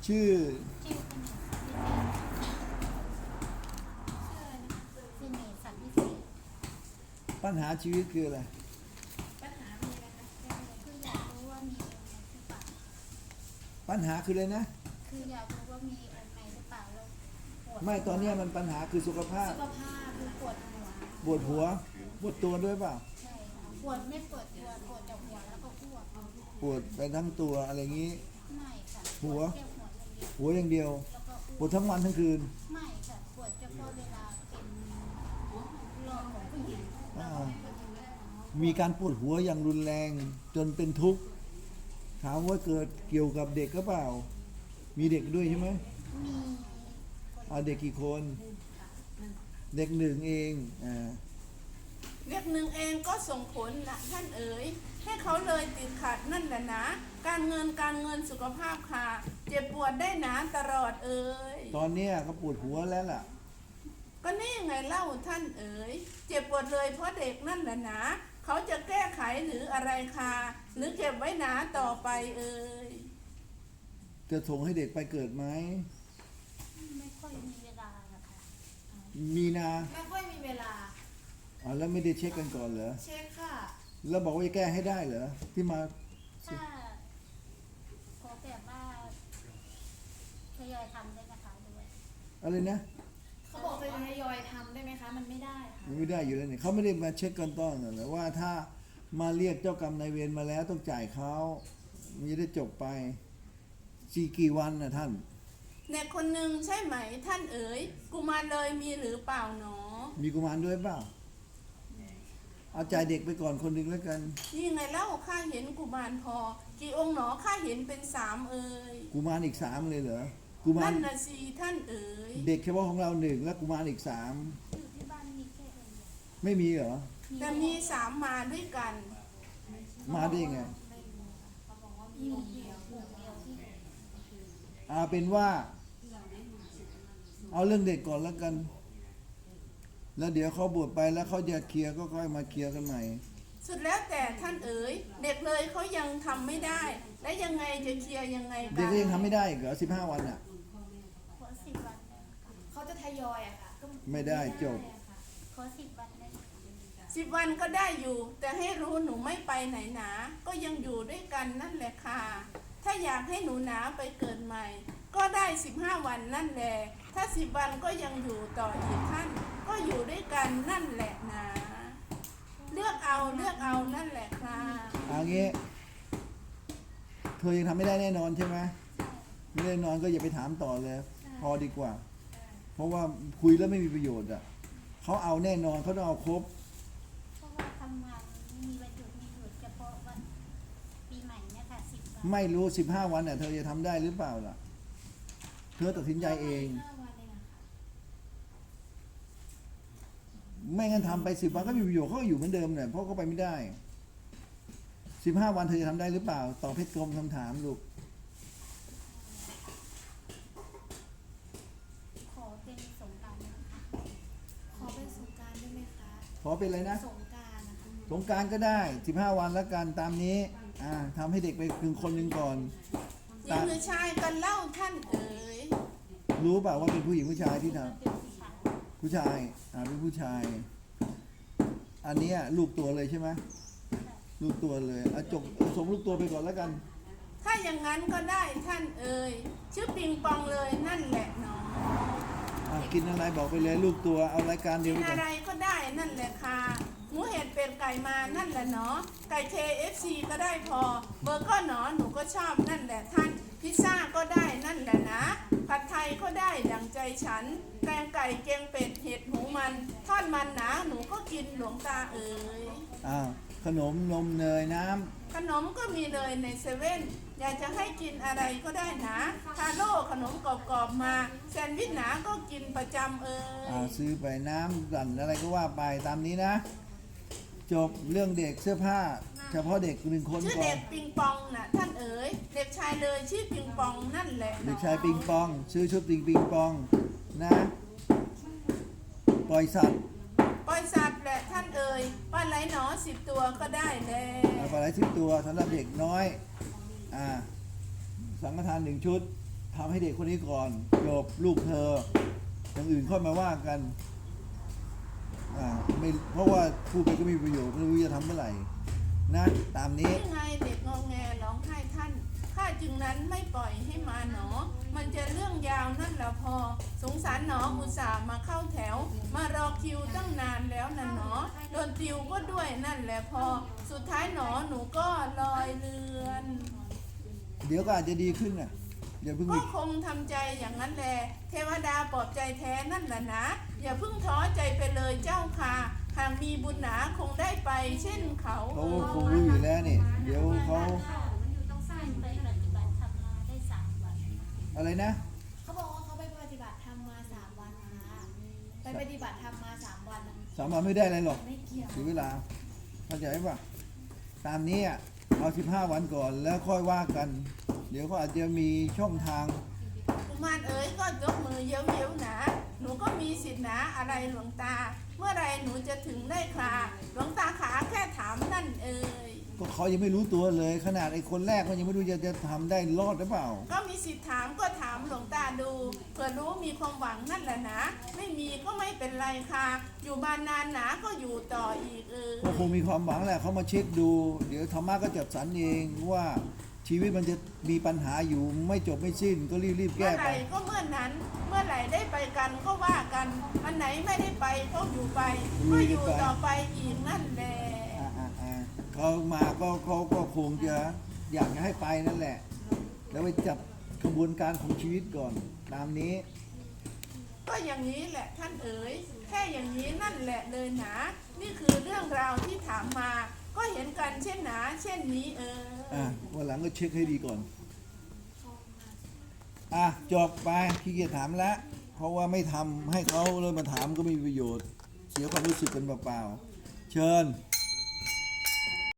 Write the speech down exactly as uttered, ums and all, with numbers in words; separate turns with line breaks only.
ชื่อ
ชื่อเสน่ห์สันวิเศษ
ปัญหาชีวิตคืออะไร
ปัญหามีอะไรนะคืออยากรู้ว่ามีองค์ไหนหรือเปล่า
ปัญหาคืออะไรนะ
คืออยากรู้ว่ามีองค์ไหนหรือเปล่าแล้วปวด
ไม่ตอนนี้มันปัญหาคือสุขภาพ
สุขภาพคือปวดหัว
ปวดหัวปวดตัวด้วยเปล่า
ใช่ค่ะปวดไม่ปวดตัวปวดจากหัวแล้วก็อ้วก
ปวดไปทั้งตัวอะไรงี้
ไม่ค่ะ
หัว
แค่หัวอย่างเดียว
หัวอย่างเดียว
แล้วก็
ปวดทั้งวันทั้งคืน
ไม่ค่ะปวดเฉพาะเวลาเป็นรองของผู้หญิง
มีการปวดหัวอย่างรุนแรงจนเป็นทุกข์ถามว่าเกิดเกี่ยวกับเด็กก็เปล่ามีเด็กด้วยใช่ไหม
มี
เอาเด็กกี่คนเด็กหนึ่งเองอ่า
เด็กหนึ่งเองก็ส่งผลนะท่านเอ๋ยให้เขาเลยติดขัดนั่นแหละนะการเงินการเงินสุขภาพค่ะเจ็บปวดได้หนาตลอดเอ๋ย
ตอนนี้เขาปวดหัวแล้วล่ะ
ก็นี่ไงเล่าท่านเอ๋ยเจ็บปวดเลยเพราะเด็กนั่นแหละนะเขาจะแก้ไขหรืออะไรค่ะหรือเก็บไว้หนาต่อไปเอ๋ย
จะส่งให้เด็กไปเกิดไหม
ไม่ค่อยมีเวลาอะค่ะ
มีนา
ไม่ค่อยมีเวลา
อ๋อแล้วไม่ได้เช็คกันก่อนเหรอ
เช็คค่ะ
แล้วบอกว่าจะแก้ให้ได้เหรอที่มา
ถ้าขอแบบว่าทยอยทำได้นะคะด้วย
อะไรนะ
เขาบอกจะทยอยทำได้ไหมคะมันไม่ได้ค่ะ
มันไม่ได้อยู่แล้วเนี่ยเขาไม่ได้มาเช็คกันต้อนหรอกว่าถ้ามาเรียกเจ้ากรรมนายเวรมาแล้วต้องจ่ายเขามันจะได้จบไปสี่กี่วันนะท่าน
เด็กคนหนึ่งใช่ไหมท่านเอ๋ยกุมารเลยมีหรือเปล่าหนอ
มีกุมารด้วยเปล่าเอาจ่ายเด็กไปก่อนคนหนึ่งแล้วกัน
นี่ไงเล่าข้าเห็นกุมารพอกี่องค์หนอข้าเห็นเป็นสามเอ๋ย
กุมารอีกสามเลยเหรอกุมาร
นั่นน่ะสิท่านเอ๋ย
เด็กเฉพาะของเราหนึ่งแล้วกุมารอีกสาม
อยู่ที่บ้านมีแค่องค์เดียว
ไม่มีเหรอ
แต่มีสามมาด้วยกัน
มาได้ยังไง
เขาบอกว่ามีองค์เดียว
องค์เดียวที่
เอาเป็นว่าเอาเรื่องเด็กก่อนแล้วกันแล้วเดี๋ยวเขาบวชไปแล้วเขาจะเคลียร์ก็ค่อยมาเคลียร์กันใหม่
สุดแล้วแต่ท่านเอ๋ยเด็กเลยเขายังทำไม่ได้และยังไงจะเคลียร์ยังไงกัน
เด็กก็ยังทำไม่ได้เหรอสิบห้าวันอ่ะ
ขอสิบวันได้ค่ะ
เขาจะทยอยอะค่ะ
ไม่ได้จบ
ขอสิบวันได้
สิบวันก็ได้อยู่แต่ให้รู้หนูไม่ไปไหนหนาก็ยังอยู่ด้วยกันนั่นแหละค่ะถ้าอยากให้หนูหนาไปเกิดใหม่ก็ได้สิบห้าวันนั่นแหละถ้าสิบวันก็ยังอยู่ต่ออีกท่านก็อยู่ด้วยกันนั่นแหละนะเลือกเอาเลือกเอานั่นแหละค่ะ
เอางี้เธอยังทำไม่ได้แน่นอนใช่ไหมไม่แน่นอนก็อย่าไปถามต่อเลยพอดีกว่าเพราะว่าคุยแล้วไม่มีประโยชน์อ่ะเขาเอาแน่นอนเขาต้องเอาครบ
เพราะว่าทำงานมีวันหยุดมีหยุดเฉพาะวันปีใหม่เนี่ยค่ะสิบวัน
ไม่รู้สิบห้าวันเนี่ยเธอจะทำได้หรือเปล่าล่ะเธอตัดสินใจเองไม่งั้นทำไปสิบวันก็มีประโยชน์เขาก็อยู่เหมือนเดิมเนี่ยเพราะเขาไปไม่ได้สิบห้าวันเธอจะทำได้หรือเปล่าตอบเพชรกรมคำถามลูก
ขอเป็นสงกรานต์นะคะ
ขอเป็นสงกรานต์ได้ไหมคะ
ขอเป็นอะไรนะ
สงกรานต์นะคะ
สงกรานต์ก็ได้สิบห้าวันแล้วกันตามนี้อ่าทำให้เด็กไปคืนคนหนึ่งก่อน
หญิงหรือชายกันเล่าท่านเอ๋ย
รู้เปล่าว่าเป็นผู้หญิงผู้ชายที่ทำ
เป็นผู้ชาย
ผู้ชายอ่าเป็นผู้ชายอันนี้ลูกตัวเลยใช่ไหมลูกตัวเลยอ่ะจบส่งลูกตัวไปก่อนแล้วกัน
ถ้าอย่างนั้นก็ได้ท่านเอ๋ยชื่อปิงปองเลยนั่นแหละเนาะ
อ่ะกินอะไรบอกไปเลยลูกตัวเอารายการเดียว
กิ
กัน
อะไรก็ได้นั่นแหละค่ะหมูเห็ดเป็ดไก่มานั่นแหละเนาะไก่ เค เอฟ ซี ก็ได้พอเบอร์ก็หนอหนูก็ชอบนั่นแหละท่านพิซซ่าก็ได้นั่นแหละนะผัดไทยก็ได้ดังใจฉันแกงไก่แกงเป็ดเห็ดหูมันทอดมันหนาหนูก็กินหลวงตาเอ๋ย
อ้าวขนมนมเนยน้ำ
ขนมก็มีเลยในเซเว่นอยากจะให้กินอะไรก็ได้นะทาโร่ขนมกรอบๆมาแซนด์วิชหนาก็กินประจำเอ๋ย
อ่าซื้อไปน้ำสั่นอะไรก็ว่าไปตามนี้นะจบเรื่องเด็กเสื้อผ้าเฉพาะเด็กหนึ่งคนก่อน
ชื่อเด็กปิงปองน่ะท่านเอ๋ยเด็กชายเลยชื่อปิงปองนั่นแหละ
เด็กชายปิงปองซื้อชุดปิงปิงปองนะปล่อยสัตว์
ปล่อยสัตว์แหละท่านเอ๋ยปลาไหลหนอสิบตัวก็ได้แล้ว
ปลาไหลสิบตัวสำหรับเด็กน้อยอ่าสังฆทานหนึ่งชุดทำให้เด็กคนนี้ก่อนจบลูกเธออย่างอื่นค่อยมาว่ากันอ่าไม่เพราะว่าพูดไปก็ไม่มีประโยชน์ไม่รู้จะทำเมื่อไหร่นะตามนี้
นี่ไงเด็กงอแงร้องไห้ท่านข้าจึงนั้นไม่ปล่อยให้มาหนอ มันจะเรื่องยาวนั่นแหละพอ สงสารหนออุตส่าห์มาเข้าแถว มารอคิวตั้งนานแล้วนะหนอโดนติวก็ด้วยนั่นแหละพอ สุดท้ายหนอหนูก็ลอยเรือน
เดี๋ยวก็อาจจะดีขึ้นน่ะอย่าเพิ่ง
ก็
มี
คงทำใจอย่างนั้นแหละเทวดาปลอบใจแท้นั่นแหละนะ อย่าเพิ่งท้อใจไปเลยเจ้าค่ะหากมีบุญหนาคงได้ไปเช่นเขา
เขาก็คงรู้อยู่แล้วนี่เดี๋ยวเขา
ต้องสร้างไปปฏิบัติธรรมมาได้สามวัน
อะไรนะ
เขาบอกว่าเขาไปปฏิบัติธรรมมาสามวันค่ะไปปฏิบัติธรรมมาสามวัน
สามวันไม่ได้อะไรหรอก
ไม่เกี่ยว
เสียเวลาเข้าใจป่ะตามนี้อ่ะเอาสิบห้าวันก่อนแล้วค่อยว่ากัน เดี๋ยวเขาอาจจะมีช่องทาง
กุมารเอ๋ยก็ยกมือเย้ยวๆหนาหนูก็มีสิทธิหนาอะไรหลวงตา เมื่อไรหนูจะถึงได้คราหลวงตาขาแค่ถามนั่นเอ๋ย
ก็เขายังไม่รู้ตัวเลย ขนาดไอ้คนแรกมันยังไม่รู้จะจะทำได้รอดหรือเปล่า
ก็มีสิทธิ์ถามก็ถามหลวงตาดูเผื่อรู้มีความหวังนั่นแหละนะ ไม่มีก็ไม่เป็นไรค่ะ อยู่มานานหนาก็อยู่ต่ออีกเออ
ก็คงมีความหวังแหละเขามาเช็คดู เดี๋ยวธรรมะก็จัดสรรเองว่าชีวิตมันจะมีปัญหาอยู่ไม่จบไม่สิ้นก็รีบๆ
เมื่
แก้
อไห
ไป
ร่ก็เมื่อนั้น เมื่อไหร่ได้ไปกันก็ว่ากันอันไหนไม่ได้ไปก็อยู่ไปก็อยู่ต่อไปอีกนั่นแหละ
อ่าอ่าอ่าเขามาก็เขาก็คงจะอยากจะให้ไปนั่นแหละ แล้วไปจับกระบวนการของชีวิตก่อน ตามนี้
ก็อย่างนี้แหละท่านเอ๋ยแค่อย่างนี้นั่นแหละเลยหนานี่คือเรื่องราวที่ถามมา ก็เห็นกันเช่นหนาเช่นนี้เออ
อ่ะวันหลังก็เช็คให้ดีก่อน อ่ะจบไปขี้เกียจถามแล้ว เพราะว่าไม่ทำให้เขาเลยมาถามก็ไม่มีประโยชน์ เสียความรู้สึกกันเปล่าๆเชิญ